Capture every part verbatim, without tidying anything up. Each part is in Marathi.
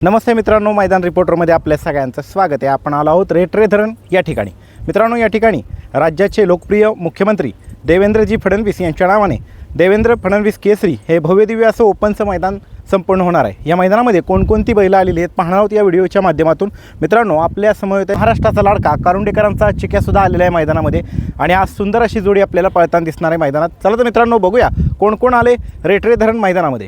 नमस्ते मित्रांनो, मैदान रिपोर्टरमध्ये आपल्या सगळ्यांचं स्वागत आहे। आपण आलो आहोत रेटरे धरण या ठिकाणी। मित्रांनो, या ठिकाणी राज्याचे लोकप्रिय मुख्यमंत्री देवेंद्रजी फडणवीस यांच्या नावाने देवेंद्र फडणवीस केसरी हे भव्यदिव्य असं ओपनचं मैदान संपन्न होणार आहे। या मैदानामध्ये कोणकोणती बैलं आलेली आहेत पाहणार आहोत या व्हिडिओच्या माध्यमातून। मित्रांनो, आपल्या समोर महाराष्ट्राचा लाडका कारुंडेकरांचा चिक्यासुद्धा आलेला आहे मैदानामध्ये आणि आज सुंदर अशी जोडी आपल्याला पळताना दिसणार आहे मैदानात। चला तर मित्रांनो, बघूया कोण कोण आले रेटरे धरण मैदानामध्ये।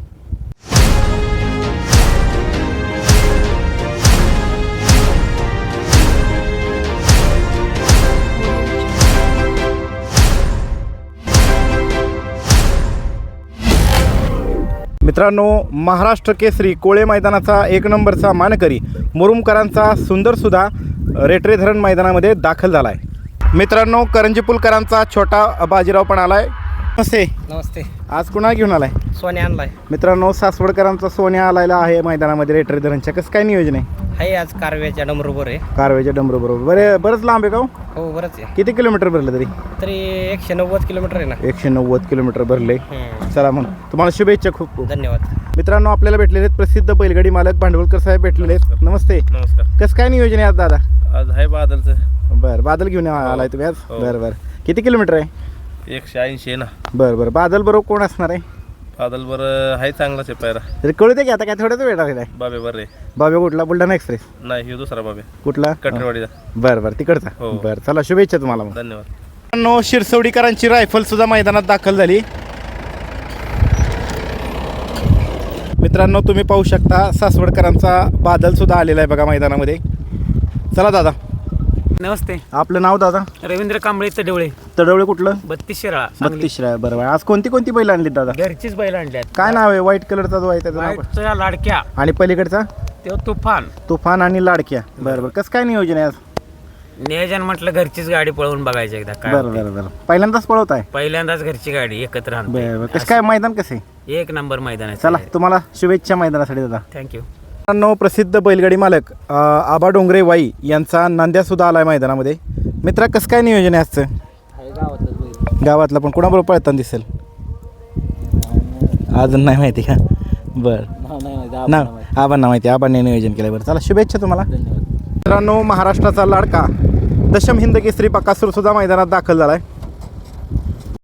मित्रांनो, महाराष्ट्र केसरी कोळे मैदानाचा एक नंबरचा मानकरी मुरुमकरांचा सुंदरसुद्धा रेटरे धरण मैदानामध्ये दाखल झाला आहे। मित्रांनो, करंजीपुलकरांचा छोटा बाजीराव पण आला आहे। नमस्ते। नमस्ते। आज कुणा घेऊन आलाय? सोन्या आणलाय। मित्रांनो, सासवडकरांचा सोन्या आलायला आहे मैदानामध्ये रेटरे धरणच्या। कसं काय नियोजन आहे? हाय, आज कारव्याच्या डमरूबर आहे। कारवेच्या डमरू बरोबर बरे बरंच लांब आहे का? हो, बरंच आहे। किती किलोमीटर भरलं तरी? तरी एकशे नव्वद किलोमीटर आहे ना। एकशे नव्वद किलोमीटर भरले। हम्म. चला मग, तुम्हाला शुभेच्छा खूप खूप। धन्यवाद। मित्रांनो, आपल्याला भेटलेले आहेत प्रसिद्ध बैलगाडी मालक भांडवलकर साहेब भेटलेले आहेत। नमस्ते। नमस्कार। कसं काय नियोजन आहे आज दादा? आज आहे बादलचं। बरं, बादल घेऊन आलाय तुम्ही आज? हो. बरं बरं, किती किलोमीटर आहे? एकशे ऐंशी आहे ना। बरं बरं, बादल बरोबर कोण असणार आहे? बादल बरं आहे, चांगलाच आहे पायरा। तरी कळू दे की आता काय थोड्याच वेळ आहे। बाबे बरं आहे। बाबे कुठला? बुलढाणा एक्सप्रेस? नाही, हे दुसरा बाबे कुठला? कटरवाडीचा। बरं बरं, तिकडचा। हो. बरं, चला शुभेच्छा तुम्हाला मग। धन्यवाद। मित्रांनो, शिरसवडीकरांची रायफल सुद्धा मैदानात दाखल झाली। मित्रांनो, तुम्ही पाहू शकता सासवडकरांचा बादल सुद्धा आलेला आहे बघा मैदानामध्ये। चला दादा। नमस्ते। आपलं नाव दादा? रवींद्र कांबळे तडवळे, तडवळे कुठलं? बत्तीस शिराळा। बत्तीस आहे। बरं बरं, आज कोणती कोणती बैल आणली दादा? घरचीच बैल आणल्यात। काय नाव आहे? व्हाईट कलरचा जो आहे त्याचं नाव? वाईटच्या लाडक्या आणि पलीकडचा? तो तुफान। तुफान आणि लाडक्या। बरं बरं, कसं काय नियोजन आहे आज? नियोजन म्हटलं घरचीच गाडी पळवून बघायची एकदा काय बरं होते। बरं बरं, पहिल्यांदाच पळवत आहे? पहिल्यांदाच घरची गाडी एकत्र बरं आणतो। बरं, कसं काय मैदान कसं आहे? एक नंबर मैदान आहे। चला, तुम्हाला शुभेच्छा मैदानासाठी दादा। थँक्यू। मित्रांनो, प्रसिद्ध बैलगाडी मालक अ, आबा डोंगरे वाई यांचा नांद्यासुद्धा आला आहे मैदानामध्ये। मित्रा, कसं काय नियोजन आहे आजचं? गावातला पण कोणाबरोबर पळताना दिसेल? अजून नाही माहिती का? बरं, ना आबांना माहिती, आबांनी नियोजन केलं। बरं, चला शुभेच्छा तुम्हाला। मित्रांनो, महाराष्ट्राचा लाडका दशम हिंद केसरी बकासूर सुद्धा मैदानात दाखल झाला आहे।